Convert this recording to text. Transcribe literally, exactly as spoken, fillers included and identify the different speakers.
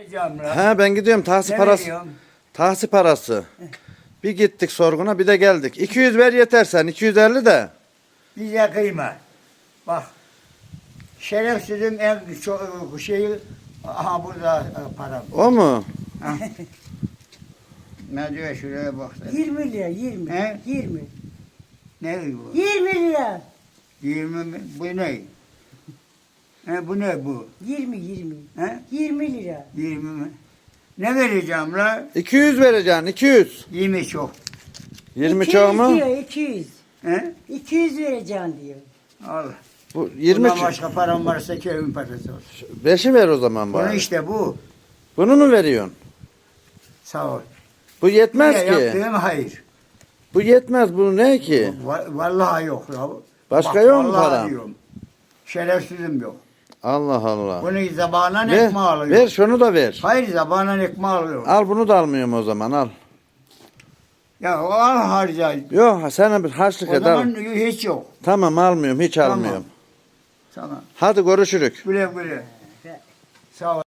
Speaker 1: gideceğim lan.
Speaker 2: He ben gidiyorum tahsil
Speaker 1: Ne
Speaker 2: parası.
Speaker 1: veriyorsun?
Speaker 2: Tahsil parası. Bir gittik sorguna bir de geldik. iki yüz ver yeter sen. iki yüz elli de.
Speaker 1: Bize kıyma. Bak. Şerefsizin en çok şeyi aha burada e, param.
Speaker 2: O mu?
Speaker 1: Ha. Ne diyor şuraya bak. sen.
Speaker 3: yirmi lira, yirmi.
Speaker 1: He?
Speaker 3: yirmi.
Speaker 1: Ne bu?
Speaker 3: yirmi lira.
Speaker 1: yirmi mi? Bu ne? He, bu ne bu?
Speaker 3: yirmi, yirmi.
Speaker 1: He?
Speaker 3: yirmi lira.
Speaker 1: yirmi mi? Ne vereceğim la?
Speaker 2: iki yüz vereceksin. iki yüz.
Speaker 1: yirmi çok.
Speaker 2: yirmi
Speaker 3: iki yüz
Speaker 2: çok mu?
Speaker 3: diyor, iki yüz.
Speaker 1: He?
Speaker 3: iki yüz vereceksin diyor.
Speaker 1: Al.
Speaker 2: Bu yirmi.
Speaker 1: Bundan başka param varsa kevin parası olsun.
Speaker 2: beşi ver o zaman
Speaker 1: Bunu
Speaker 2: bari.
Speaker 1: işte bu.
Speaker 2: Bunu mu veriyorsun?
Speaker 1: Sağ ol.
Speaker 2: Bu yetmez
Speaker 1: Ne
Speaker 2: ki.
Speaker 1: yaptığım hayır.
Speaker 2: Bu yetmez. Bu ne ki?
Speaker 1: Va- Vallahi yok ya.
Speaker 2: Başka
Speaker 1: Bak,
Speaker 2: yok mu
Speaker 1: vallahi
Speaker 2: param?
Speaker 1: diyorum. Şerefsizim yok.
Speaker 2: Allah Allah.
Speaker 1: Bunu zabanan
Speaker 2: Ver,
Speaker 1: ekmeği alıyorum.
Speaker 2: ver şunu da ver.
Speaker 1: Hayır zabanan ekmeği alıyorum.
Speaker 2: Al bunu da almıyorum o zaman al.
Speaker 1: Ya o al harca.
Speaker 2: Yok sana bir harçlık
Speaker 1: O
Speaker 2: et al.
Speaker 1: zaman hiç yok.
Speaker 2: Tamam almıyorum hiç
Speaker 1: Tamam.
Speaker 2: almıyorum.
Speaker 1: Tamam.
Speaker 2: Hadi görüşürük.
Speaker 1: Güle güle. Sağ ol.